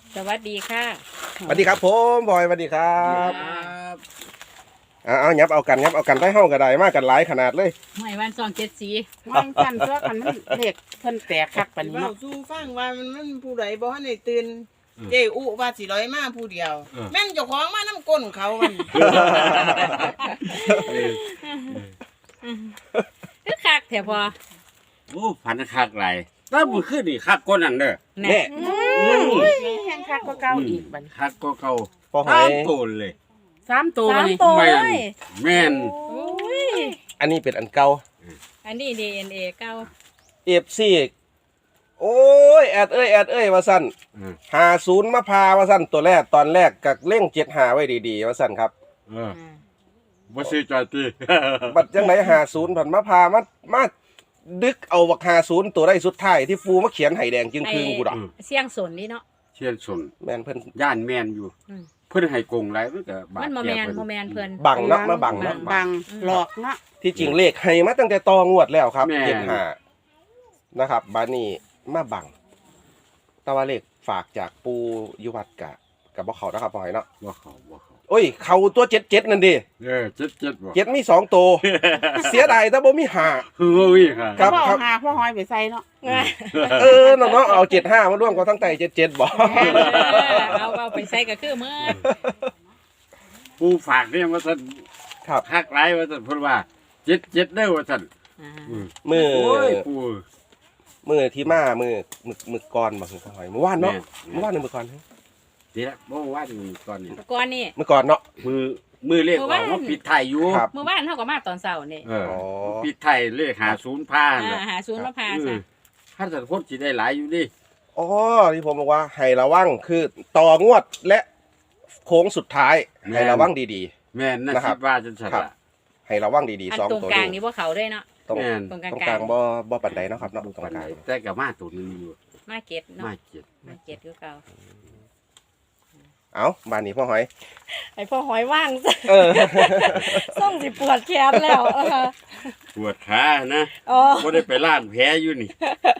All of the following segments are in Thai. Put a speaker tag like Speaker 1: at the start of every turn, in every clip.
Speaker 1: สวัสดีค่ะ
Speaker 2: สวัสดีครับผมบอยสวัสดีครับเอายับเอากันได้เฮาก็ได้มากันหลายขนาดเลย
Speaker 1: ไม่วันสองเจ็ดสี
Speaker 3: วางกันตัวกันมันเด็กเพิ่นแตกคักปานนี้
Speaker 4: เว้า
Speaker 3: เนาะ
Speaker 4: สู่ฟังว่ามันผู้ใดบ่ทันได้ตื่นเจ้อุว่าสิร้อยมาผู้เดียว แม่นเจ้าของมานํก้นเขามัน
Speaker 1: คือคักแถวพอ
Speaker 5: โอ้พันคักไหลถ้ามือขึ้นนี่คักก้นนั่นเด้อ
Speaker 1: แน่
Speaker 3: แห้งคักก็เก่าอีกบัดนี้
Speaker 5: คักก็เก่า
Speaker 2: พอหอ
Speaker 5: ตาม
Speaker 2: ย
Speaker 5: โตนเลย
Speaker 3: 3ตัวบัดนี้
Speaker 5: แม่นแม่น
Speaker 1: โอ้ย
Speaker 2: อันนี้เป็นอันเก่า
Speaker 1: อันนี้ DNA เก้า
Speaker 2: FC โอ้ยแอดเอ้ยว่าซั่น50มาพาว่าซั่นตัวแรกตอนแรกกักเร่ง75ไว้ดีๆว่าซั่นครับ
Speaker 5: บ่ซื้อจอยตี
Speaker 2: บัดจังได50ผันมาพามาดึกเอาบัก50ตัวได้สุดท้ายที่ฟูมาเขียนไห้แดงจึงคืงกูดอก
Speaker 1: เสียงสนนี่เนาะ
Speaker 5: เชียนสน
Speaker 2: แม่นเพิ่น
Speaker 5: ย่านแม่นอยู่
Speaker 1: อืม
Speaker 5: เพิ่นให้กงหลายมันก็บาด
Speaker 1: มันโม
Speaker 5: เจ็
Speaker 1: แม
Speaker 5: บ
Speaker 1: นโมแมนเพิ่น
Speaker 2: บังเนาะมาบังเนาะ
Speaker 3: บังหลอกเนาะ
Speaker 2: ที่จริงเลขให้มาตั้งแต่ตองวดแล้วครับ75นะครับบาดนี้มาบังแต่ว่าเลขฝากจากปูอยู่วัดกับบ่เข้านะครับบ่ให้เนาะ
Speaker 5: บ่เข้า
Speaker 2: โอ้ยเข้าตัว77นั่นดิ
Speaker 5: เจ็ดบ่
Speaker 2: 7มี2ตัว เสียดายแต่บ่มี5
Speaker 5: เฮ้ยค่ะ
Speaker 2: ครับ
Speaker 3: เอาหาพ่อหอยไปใส่เนาะ
Speaker 2: เนาะเอา75มาร่วมกับทั้งไต77บ่
Speaker 1: เอาไปใส่ก็คือเมื่อ
Speaker 5: ผู้ฝากเนี่ยว่าซั่น
Speaker 2: ครับ
Speaker 5: คักหลายว่าซั่นเพิ่นว่าเจ็ดเด้อว่าซั่น
Speaker 2: มือ
Speaker 5: โอ้ยปู่
Speaker 2: มือที่มามือก่อนบ่คือหอยเมื่อวานเนาะ
Speaker 5: แม่
Speaker 2: เมื่อวานหรือมื้อก่อน
Speaker 5: ดีละบ่ว่าอยู่ก่อนนี่
Speaker 1: ก่อนนี่
Speaker 2: เมื่อก่อนเนาะ
Speaker 5: มือเลขออกว่าปิดไทยอยู่
Speaker 2: ครับ
Speaker 1: เมื่อวานเท่ากับมาตอนเช้านี่
Speaker 2: อ๋อ
Speaker 5: ปิดไทยเลข50พาน่ะ
Speaker 1: หาศูนย์มาพาซะ
Speaker 5: ถ้าสัตว์พจน์สิได้หลายอยู่ดิ
Speaker 2: อ๋อที่ผมบอกว่าให้ระวังคือต่องวดและโค้งสุดท้ายให้ระวังดี
Speaker 5: แม่นนะ
Speaker 2: นะค
Speaker 5: คิ
Speaker 2: รับ
Speaker 5: ดว่าจังซั่น
Speaker 2: ครับ
Speaker 5: ล่ะ
Speaker 2: ๆให้ระวังดี
Speaker 1: อัน
Speaker 2: ๆสอง
Speaker 1: ตรง
Speaker 2: ตัว
Speaker 1: กลาง
Speaker 2: นี้
Speaker 1: นี่ว่าเขาได้เนาะ
Speaker 2: ตรง
Speaker 5: แม่น
Speaker 1: ตรง
Speaker 2: ตรง
Speaker 1: ก
Speaker 2: ก
Speaker 1: ลา
Speaker 2: ลาง งบ่ปานใดเนาะครับเนาะตรงกลาง
Speaker 5: แต่ก็มาตัวหนึงอยู่
Speaker 1: มาเก็ตเนาะ
Speaker 5: มาเจ็ด
Speaker 1: มาเก็ตคือเก่า
Speaker 2: เอ้าบ้านนี้พ่อหอย
Speaker 6: ไอพ่อหอยว่าง
Speaker 2: เออ
Speaker 6: ส่งสิปวดแขนแล้ว
Speaker 5: ปวดขานะ
Speaker 6: อ๋อ
Speaker 5: บ่ได้ไปล้างแผลอยู่นี่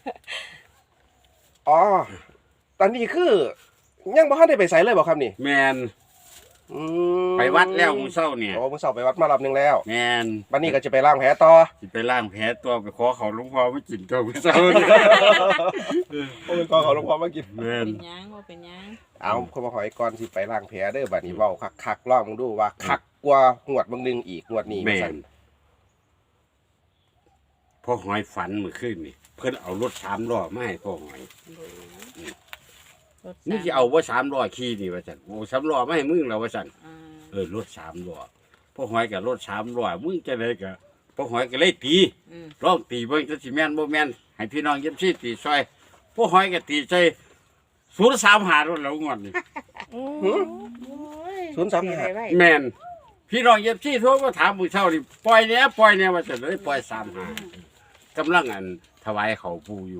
Speaker 2: อ๋อตอนนี้คือยังบ่ทันได้ไปไสเลยบ่ครับนี่
Speaker 5: แม่น
Speaker 2: อืม
Speaker 5: ไปวัดแล้วมื้อเช้าเนี่ย
Speaker 2: โอ้มื้อเช้าไปวัดมารอบนึงแล้ว
Speaker 5: แม่น
Speaker 2: บัดนี้ก็จะไปล้างแผลต่อ
Speaker 5: สิไปล้างแผลตัวไปขอเขาหลวงพ่อมากินตัวมื้อเช้านี่
Speaker 2: โอ้ยก็ขอหลวงพ่อมากิน
Speaker 5: แม่น
Speaker 1: เป็นหยังว่าเป็นหยัง
Speaker 2: เอาคุณพ่อหอยก่อนสิไปล้างแผลเด้อบัดนี้เว้าคักๆลองดูว่าคักกว่าหวดบางนึงอีกงวดนี้
Speaker 5: แม่
Speaker 2: ว่าซั่
Speaker 5: น
Speaker 2: น
Speaker 5: พ่อหอยฝันเมื่อคืนนี่เพิ่นเอารถ3ล้อมาให้พ่อหอย
Speaker 1: รถ
Speaker 5: นี่สิเอาบ่3ล้อขี่นี่ว่าซั่นโอ้3ล้อมาให้มึงแล้วว่าซั่น
Speaker 1: อ่าร
Speaker 5: ถ3ล้อพ่อหอยกับรถ3ล้อมึงจะได้ก็พ่อหอยก็เลยตี
Speaker 1: อืม
Speaker 5: ร้องตีเบิ่งจะสิแม่นบ่แม่นให้พี่น้องเย็บซี่ตีซอยพ่อหอยก็ตีใจ035รถแล้วงวดนี่
Speaker 2: 035
Speaker 3: ไว้
Speaker 5: แม่นพี่น้องเย็บซี่โทรมาถามมื้อเช้านี่ปล่อยแหน่ว่าจะเลยปล่อย35กำลังอันถวายเขาปู่อยู่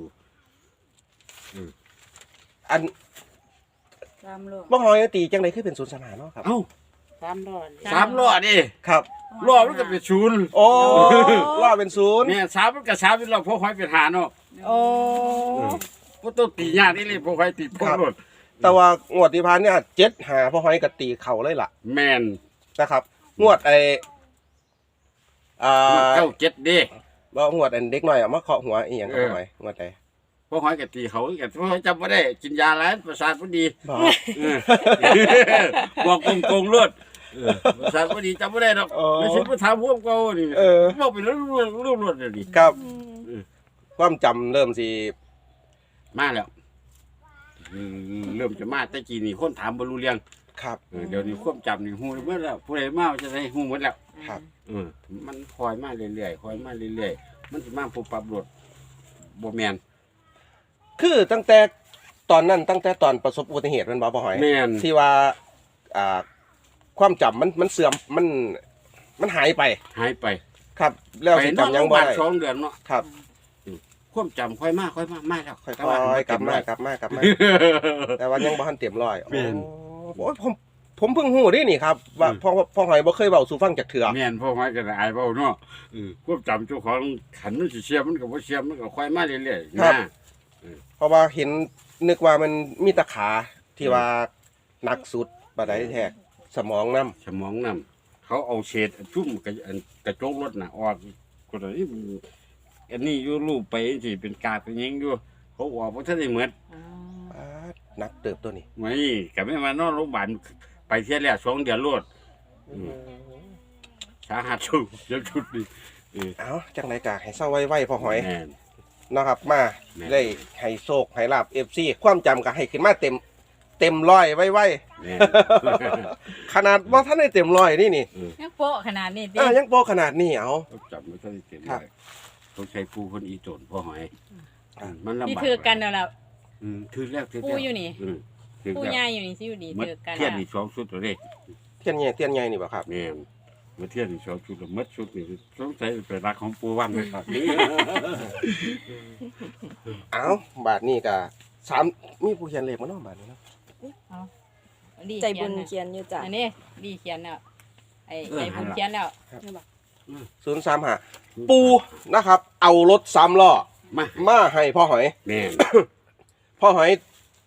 Speaker 2: อัน
Speaker 1: ตามโลก
Speaker 2: บ่หอยตีจังได๋คือเป็น035เนาะครับ
Speaker 5: เอ้า
Speaker 3: 3ดอน
Speaker 5: 3ล้อดิ
Speaker 2: ครับ
Speaker 5: ล้อมันก็เป็นศูนย์
Speaker 2: โอ้ล่อเป็นศูนย์
Speaker 5: เนี่ย3มันก็3เป็นล้อพ่อหอยเป็น5เนาะ
Speaker 6: โอ้
Speaker 5: บ่ต้องตียากนี่เลยพ่อหอยตีพ่อรถ
Speaker 2: แต่ว่างวดที่ผ่านเนี่ย75พ่อหอยก็ตีเข่าเลยล่ะ
Speaker 5: แม่น
Speaker 2: นะครับ งวดไอ้อ่า
Speaker 5: เก้าเจ็ดเด้
Speaker 2: บ่งวดอันเด็กน้อยเอามาเคาะหัวอีหยังกับพ่อหอยงวดใด
Speaker 5: พ่อหอยกับตีเขากับพ่อหอยจำไม่ได้กินยาแล้วประสาทพอดี
Speaker 2: บ่
Speaker 5: เออบอกโกงๆรวดประสาทพอดีจำไม่ได้หรอกไม่ใช่ผู้ถามพวกเก่านี่บอกไปแล้วรวดเลยดิ
Speaker 2: ครับความจำเริ่มสิ
Speaker 5: มาแล้วเริ่มจะมาแต่กี้นี่คนถามบรรลุเรื่อง
Speaker 2: ครับ
Speaker 5: เดี๋ยวนี้ความจำนี่หูเมื่อแล้วผู้ใดมาจะได้หูหมดแล้ว
Speaker 2: ครับ
Speaker 5: มันคอยมาเรื่อยๆคอยมาเรื่อยๆมันจะมาปุ๊บปั๊บรถบ่แมน
Speaker 2: คือตั้งแต่ตอนนั้นตั้งแต่ตอนประสบอุบัติเหตุแมันบ่พ่อหอย
Speaker 5: แม่น
Speaker 2: ที่ว่าความจำมันเสื่อมมันหายไป
Speaker 5: หายไป
Speaker 2: ครับ แล้ว
Speaker 5: ไป
Speaker 2: สิ
Speaker 5: นอน
Speaker 2: จำ
Speaker 5: โร
Speaker 2: ยัง
Speaker 5: งพยา
Speaker 2: บ่
Speaker 5: บาล
Speaker 2: ได้
Speaker 5: 2 เดือนเนาะ
Speaker 2: ครับ
Speaker 5: ความจำค่อยมากมาแล้ว
Speaker 2: ค่อย
Speaker 5: แต่ว่า
Speaker 2: ๆกลับมา
Speaker 5: เต็ร้อย
Speaker 2: แต่ว่ายังบ่ทันเต็มร้อย
Speaker 5: แม่น
Speaker 2: โอ้ยผมเพิ่งฮู้ดินี่ครับว่าพ่อหอยบ่เคยเว้าสู่ฟังจากเถื่อ
Speaker 5: แม่นพ่อไม้ก็ได้อายเว้าเนาะควบจำเจ้าของขันมันสิเสียมันก็บ่เสียมันก็ค่อยมาเรื่อยๆนะ
Speaker 2: เพราะว่าเห็นนึกว่ามันมีแตะขาที่ว่าหนักสุดบ่ได้แท้สมองนำ
Speaker 5: สมองนำเขาเอาเศษชุ่มกระจกรถน่ะออกก็เลยอันนี้อยู่รูปไปสิเป็นกากเป็นหยังอยู่เขาออกบ่ทันได้เหมือน
Speaker 1: อ๋อ
Speaker 2: ป๊าดหนักเติบตัวนี้
Speaker 5: ไม่ก็ไม่มานอนโรงพยาบาลไปเที่ยวแล้ว2 เดือนรวดสาหัสอยู่เดี๋ยวชุดนี้
Speaker 2: เอ้าจังไดก็ให้เซาไว้ๆพอหอย
Speaker 5: แม่น
Speaker 2: นะครับมา
Speaker 5: แม่น
Speaker 2: ได้ให้โชคให้ลาบ FC ความจำก็ให้ขึ้นมาเต็มร้อยไว้
Speaker 5: แม่น
Speaker 2: ขนาดบ่ทันได้เต็มร้อยนี่
Speaker 1: ยังโป๊ะขนาดนี้ดิ
Speaker 2: ยังโปรขนาดนี้เอา
Speaker 5: เขาจับไม่ค่อยเต็ม
Speaker 2: ครับ
Speaker 5: เลยเขาใช้ปูคนอีโจนพ่อหอย
Speaker 2: ครับ
Speaker 5: มันลำบาก
Speaker 1: ที่ถือกันแล้วล่ะ
Speaker 5: ถือแล้วถือ
Speaker 1: ปู
Speaker 5: แล้ว
Speaker 1: อยู่นี่
Speaker 5: ถือ
Speaker 1: ผู้
Speaker 5: แล้ว
Speaker 1: ใหญ่อยู่นี่สิอยู่ดี
Speaker 5: มัด
Speaker 1: ถือกัน
Speaker 5: เทียน
Speaker 1: แล้ว
Speaker 5: อีก2 ชุดตัวเลข
Speaker 2: เทียนใหญ่นี่บ่ครับ
Speaker 5: แม่นมาเทียนอีก2 ชุดแล้วมัดชุดนี่สงสัยเป็นรักของปูวันนะครับ
Speaker 2: เอาบาทนี้ก็3มีผู้เขียนเลขมาเนาะบาทนี้เนาะ
Speaker 1: ดี
Speaker 6: ใจบุญ
Speaker 1: เขี
Speaker 6: เขี
Speaker 1: ยน
Speaker 6: ยนอยู่จ้ะ
Speaker 1: อันนี้ดีเขียนแล้วไอ้ใจบุญเขียนแล้ว
Speaker 2: 035ปูนะครับ เอารถ3ล้อ มาให้พ่อหอย
Speaker 5: แม่น
Speaker 2: พ่อหอย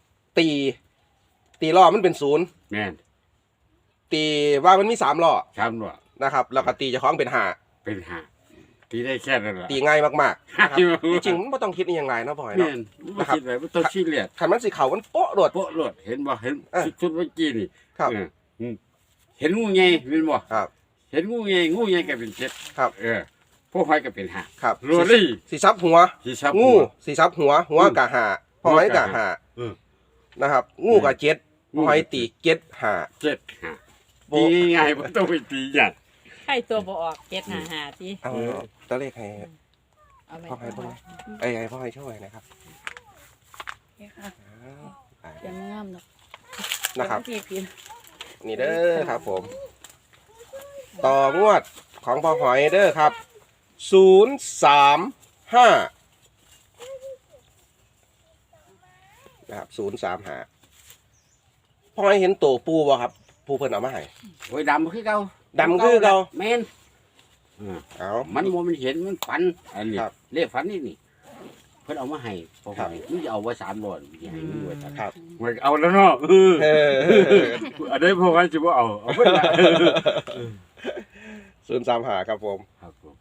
Speaker 2: ตีล้อมันเป็น0
Speaker 5: แม่น
Speaker 2: ตีว่ามันมี3ล้อ
Speaker 5: ช้ำด้วย
Speaker 2: นะครับ แล้วก็ตีเจ้าของเป็น5
Speaker 5: เป็นหาตีได้แค่นั้นแหละ
Speaker 2: ตีง่ายมากๆนะครับ
Speaker 5: จริง
Speaker 2: จริงๆมันบ่ต้องคิดอีหยังหลายเนาะพ่อหอย
Speaker 5: แม่
Speaker 2: เนาะ
Speaker 5: นไม่คิดอะไรไม่ต้องชี้เลียด
Speaker 2: คันมันสิเข้ามันโป๊ะโดด
Speaker 5: โป๊ะรถเห็นบ่เห็น
Speaker 2: เออ
Speaker 5: ชุดเมื่อกี้นี่
Speaker 2: ครับ
Speaker 5: เห็นงูใหญ่เห็นบ่
Speaker 2: ครับ
Speaker 5: เห็นงูใหญ่ก็เป็น7
Speaker 2: ครับ
Speaker 5: พวกหอยก็เป็น5
Speaker 2: ครับ
Speaker 5: รัวลี่
Speaker 2: สิซับหัว
Speaker 5: สิซับ
Speaker 2: งูสิซับหัวกะหาพ่อหอยกะหา
Speaker 5: อืม
Speaker 2: นะครับ งูกะเจ็ดพ่อหอยตีเจ็ดหา
Speaker 5: 7 5ตีง่ายบ่ต้องไปตีหยัง
Speaker 1: ใช่ตัวบ่ออก755ติ
Speaker 2: เอาตัวเลขให้
Speaker 1: เอาไป
Speaker 2: พ่อหอยบ่ให้พ่อหอยช่วยนะครับ
Speaker 6: เขียนงามเนาะ
Speaker 2: นะครับ
Speaker 6: พี่พิมพ์
Speaker 2: นี่เด้อครับผม ต่องวดของพ่อหอยเด้อครับ035นะครับ035พ่อหอยเห็นตัวปูบ่ครับ ปูเพิ่นเอามาให้
Speaker 5: โอ้ยดำคือเก่า
Speaker 2: ดำคือเก่า
Speaker 5: แม่น
Speaker 2: เอา
Speaker 5: มันบ่มันเห็นมันฝันอันนี้
Speaker 2: ครับ
Speaker 5: เลขฝันนี่เพิ่นเอามาให้พวก
Speaker 2: ครับ
Speaker 5: หอยมึงจะเอาไว้3ร้อยอย่าให้มึงไว้3
Speaker 2: ครับ
Speaker 5: มันเอาแล้วเนาะ
Speaker 2: เออ
Speaker 5: อันนี้พวกเขาจะบ่เอาเพิ่นละ
Speaker 2: 035ครับผม
Speaker 5: ครับผม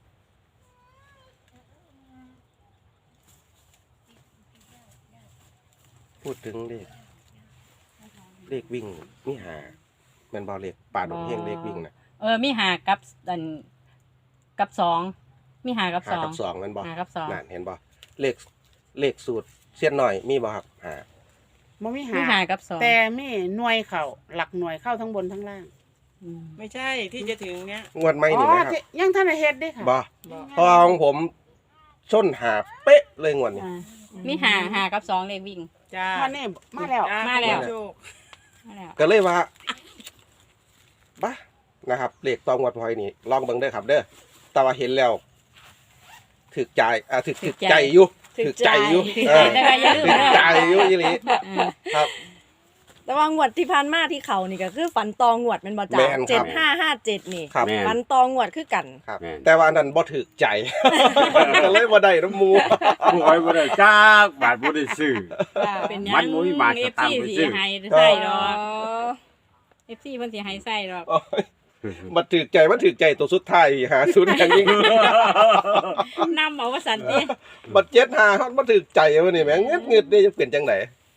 Speaker 2: พูดถึงเลขวิ่งนี่หาแม่นบ่เลขป่าดงเฮงเลขวิ่งน่ะ
Speaker 1: มีหากับอันกับสองมีหากับ
Speaker 2: หา
Speaker 1: สอง
Speaker 2: กับ2แม่นบ่
Speaker 1: หากับสอง
Speaker 2: นั่นเห็นบ่เลขสูตรเสี้ยนหน่อยมีบ่ครับหา
Speaker 3: บ่มี
Speaker 1: มี
Speaker 3: หา
Speaker 1: หากับสอง
Speaker 3: แต่มีหน่วยเข้าหลักหน่วยเข้าทั้งบนทั้งล่าง
Speaker 1: อืม
Speaker 4: ไม่ใช่ที่จะถึงเนี้ย
Speaker 2: งวดใหม่
Speaker 3: อ๋
Speaker 2: นี่
Speaker 3: อ
Speaker 2: ไหมครับ
Speaker 3: ที่ยังท่านได้เฮ็ดเด้ค่ะ
Speaker 2: บ่
Speaker 1: บอก
Speaker 2: เพราะว่าของผมชนหาเป๊ะเลยงวดนี้
Speaker 1: อ่ามีหากับสองเลขวิ่ง
Speaker 4: จ้า
Speaker 3: วันนี้มาแล้ว
Speaker 4: จ้
Speaker 1: มาแล้ว
Speaker 4: โชค
Speaker 1: นั่นแหละ
Speaker 2: ก็เลยว่าบ้านะครับเลขตองงวดพอยนี่ลองเบิ่งเด้อครับ เด้อแต่ว่าเห็นแล้วถึกใจถึกใจอยู่ถึกใจอยู่
Speaker 1: ถึก
Speaker 2: เอ
Speaker 1: ใจ
Speaker 2: อ
Speaker 1: แต่ว่าอย่าลืม
Speaker 2: ถึก
Speaker 1: นะ
Speaker 2: ใจอยู่อีหลี ครับ
Speaker 6: แต่ว่างวดที่ผ่านมาที่เขานี่ก็คือฝันตองวดแมันบ่จ้ะ
Speaker 2: แม่นครับ
Speaker 6: 7557นี่
Speaker 2: ครับ
Speaker 5: แม่น
Speaker 6: ฝันตองวดคือกัน
Speaker 2: ครับ
Speaker 5: แม่น
Speaker 2: แต่ว่าอันนั้นบ่ถึกใจ ก็เลยบ่ได้น้ำหมู
Speaker 5: พวกหอยบ่ได้จักบาทบ่ได้ซื้อ
Speaker 1: เป็นหยั
Speaker 5: มัน
Speaker 1: ง
Speaker 5: บ่มีหมาก
Speaker 1: เอ
Speaker 5: จะ
Speaker 1: ฟ
Speaker 5: ตาม
Speaker 1: ซี
Speaker 5: ไป
Speaker 1: สี
Speaker 5: ซื้อ
Speaker 1: ให้ใส่ด
Speaker 6: อ๋
Speaker 1: อ
Speaker 6: อก
Speaker 1: เอฟซีเพิ่นสิให้ใส่ดอก
Speaker 2: โอ้ยมันถึกใจตัวสุดท้ายหาศูนย์อย่างยิ่ง
Speaker 1: นำเอาว่าสันติ
Speaker 2: บัดเจ็ดหาฮอดบ่ถึกใจวะนี่แม่งเงึดนี่จะเป็นจังได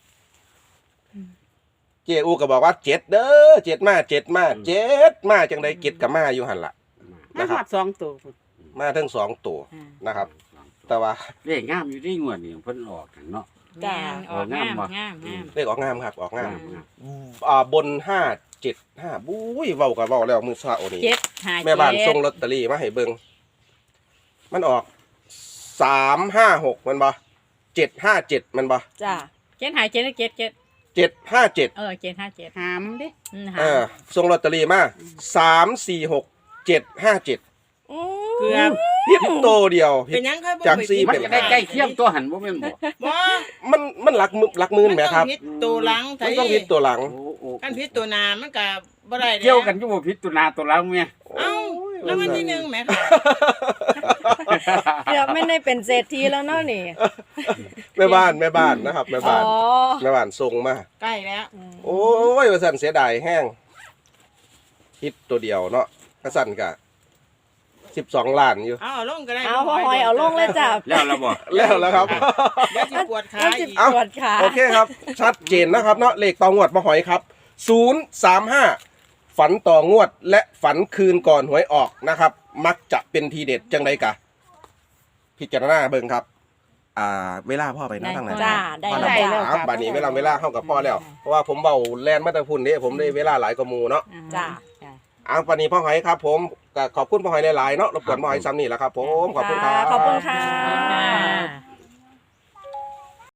Speaker 2: เจอูก็บอกว่าเจ็ดเด้อเจ็ดมาจังไดเจ็ดกับมาอยู่หั่นล่ะ
Speaker 3: มา
Speaker 2: นะค
Speaker 3: ห
Speaker 2: รั
Speaker 3: อบ ด2ตัวพุ่น
Speaker 2: มาทั้งสองตัวนะครับ แต่ว่า
Speaker 5: เลขงามอยู่ที่งวดนี่เพิ่นออกกันเนาะ
Speaker 1: งามออกงาม
Speaker 5: บ่
Speaker 1: งาม
Speaker 2: เลขออกงามครับออกงาม
Speaker 5: งาม
Speaker 2: บน575บุ้ยเว้าก็เว้าแล้วมื้อเช้านี่
Speaker 1: เจ็ดหา
Speaker 2: แม่บ้านส่งลอตเตอรี่มาให้เบิ่งมันออก356มันบ่757มันบ่
Speaker 6: จ้ะ
Speaker 1: เจ็ดหาเจ็ดเจ็ดเจ็ด
Speaker 2: 757
Speaker 1: เจ็ดห้าเจ็ด
Speaker 3: หามเด้
Speaker 1: หา
Speaker 2: ส่งลอตเตอรี่มา346
Speaker 6: อื
Speaker 4: เกือบ
Speaker 2: 757ผิดโตวเดียวผิ
Speaker 4: เป็
Speaker 2: ด
Speaker 4: นหยังครับ
Speaker 2: จากสี่
Speaker 5: มันจะได้ใกล้เคียงตัวหันบ่แม่นบ่
Speaker 4: บ่
Speaker 2: มันหลักมือแหมครับ
Speaker 4: นต้องพิษตัวหลัง
Speaker 2: มันต้องผิดตัวหลัง
Speaker 5: โอ้
Speaker 4: กันพิษตัวหน้ามันก็บ่ได้
Speaker 5: เกี่ยวกันอยู่บ่ผิดตัวหน้าตัวหลังแม่
Speaker 4: เอ้าแล้ววันที่หนึ่งแหมค่ะ
Speaker 6: เกือบไม่ได้เป็นเศรษฐีแล้วเนาะนี่
Speaker 2: แม่บ้านนะครับแม่
Speaker 6: อ๋
Speaker 2: บ้า
Speaker 6: อน
Speaker 2: แม่บ้านส่งมา
Speaker 4: ใกล้แล้ว
Speaker 2: โอ้ยว่าสั่นเสียดายแห้งฮิตตัวเดียวเนาะกระสั่นกะ12 ล้านอยู่
Speaker 4: เอาลงก็ได้
Speaker 6: เอาพ่อหอยเอาลงเลยจ้ะ
Speaker 5: แล้วเราบอก
Speaker 2: แล้วครับ
Speaker 4: เดี๋ยวสิปวดขา
Speaker 6: มันสิ
Speaker 4: อีก
Speaker 6: ปวดขา
Speaker 2: โอเคครับ ชัดเจนนะครับเนาะเลขต่องวดมาหอยครับ 035 ฝันต่องวดและฝันคืนก่อนหวยออกนะครับ มักจะเป็นทีเด็ดจังไดกะ พิจารณาเบิ่งครับ เวลาพ่อไปนะทางไหน
Speaker 6: จ้าได้
Speaker 2: พ่อ
Speaker 6: แล้
Speaker 2: แล้ว
Speaker 6: ว
Speaker 2: บอกครับบัดนี้เวลาเข้ากับพ่อแล้ว เพราะว่าผมเบาแลนมาแตะพุ่นนี่ผมได้เวลาหลายกว่าหมู่เนาะ
Speaker 6: จ้า
Speaker 2: บัดนี้พ่อหอยครับ ผมก็ขอบคุณพ่อหอยหลายๆเนาะรบกวนพ่อหอยซ้ำนี่แหละครับ ผมขอบคุณครับ
Speaker 6: ขอบคุณค่ะ
Speaker 1: อ่า